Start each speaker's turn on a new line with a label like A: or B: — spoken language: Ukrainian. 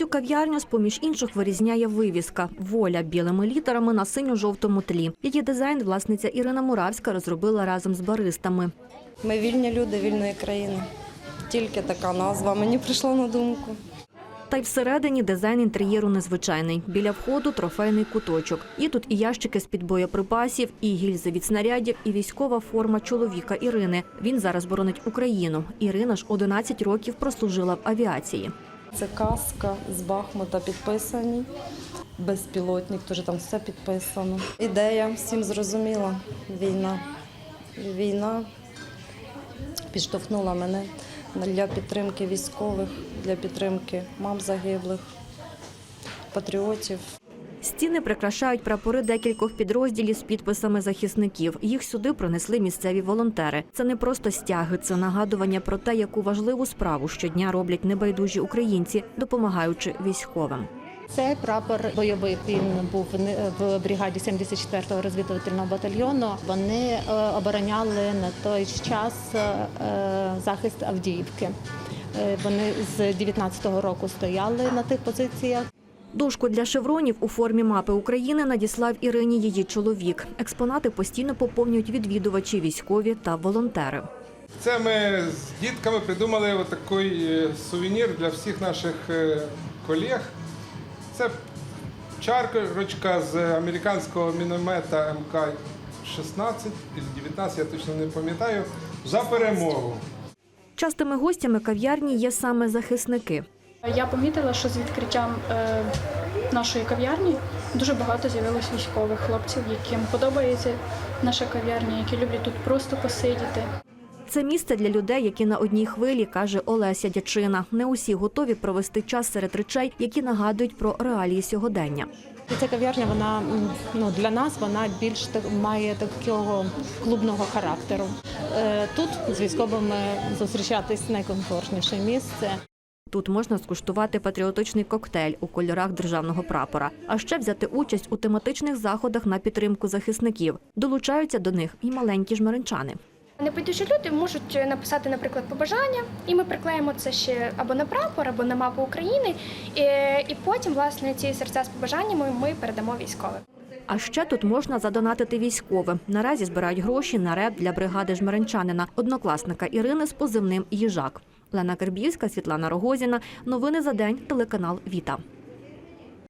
A: цю кав'ярню з-поміж інших вирізняє вивіска «Воля» білими літерами на синьо-жовтому тлі. Її дизайн власниця Ірина Муравська розробила разом з баристами.
B: Ми вільні люди вільної країни. Тільки така назва мені прийшла на думку.
A: Та й всередині дизайн інтер'єру незвичайний. Біля входу – трофейний куточок. Є тут і ящики з-під боєприпасів, і гільзи від снарядів, і військова форма чоловіка Ірини. Він зараз боронить Україну. Ірина ж 11 років прослужила в авіації.
B: Це каска з Бахмута підписані. Безпілотник, теж там все підписано. Ідея всім зрозуміла. Війна підштовхнула мене для підтримки військових, для підтримки мам загиблих, патріотів.
A: Стіни прикрашають прапори декількох підрозділів з підписами захисників. Їх сюди принесли місцеві волонтери. Це не просто стяги, це нагадування про те, яку важливу справу щодня роблять небайдужі українці, допомагаючи військовим.
C: Цей прапор бойовий, він був в бригаді 74-го розвідувального батальйону. Вони обороняли на той час захист Авдіївки. Вони з 19-го року стояли на тих позиціях.
A: Дошку для шевронів у формі мапи України надіслав Ірині її чоловік. Експонати постійно поповнюють відвідувачі, військові та волонтери.
D: Це ми з дітками придумали такий сувенір для всіх наших колег. Це чарочка з американського міномета МК-16 чи 19, я точно не пам'ятаю, за перемогу.
A: Частими гостями кав'ярні є саме захисники.
E: Я помітила, що з відкриттям нашої кав'ярні дуже багато з'явилось військових хлопців, яким подобається наша кав'ярня, які люблять тут просто посидіти.
A: Це місце для людей, які на одній хвилі, каже Олеся Дячина. Не усі готові провести час серед речей, які нагадують про реалії сьогодення.
C: Ця кав'ярня, вона для нас вона більш має такого клубного характеру. Тут з військовими зустрічатись найкомфортніше місце.
A: Тут можна скуштувати патріотичний коктейль у кольорах державного прапора, а ще взяти участь у тематичних заходах на підтримку захисників. Долучаються до них і маленькі жмеринчани.
F: Небайдужі люди можуть написати, наприклад, побажання, і ми приклеїмо це ще або на прапор, або на мапу України, і потім, власне, ці серця з побажаннями ми передамо військовим.
A: А ще тут можна задонатити військовим. Наразі збирають гроші на реп для бригади жмеринчанина, однокласника Ірини з позивним «Їжак». Лена Кербівська, Світлана Рогозіна. Новини за день. Телеканал «Віта».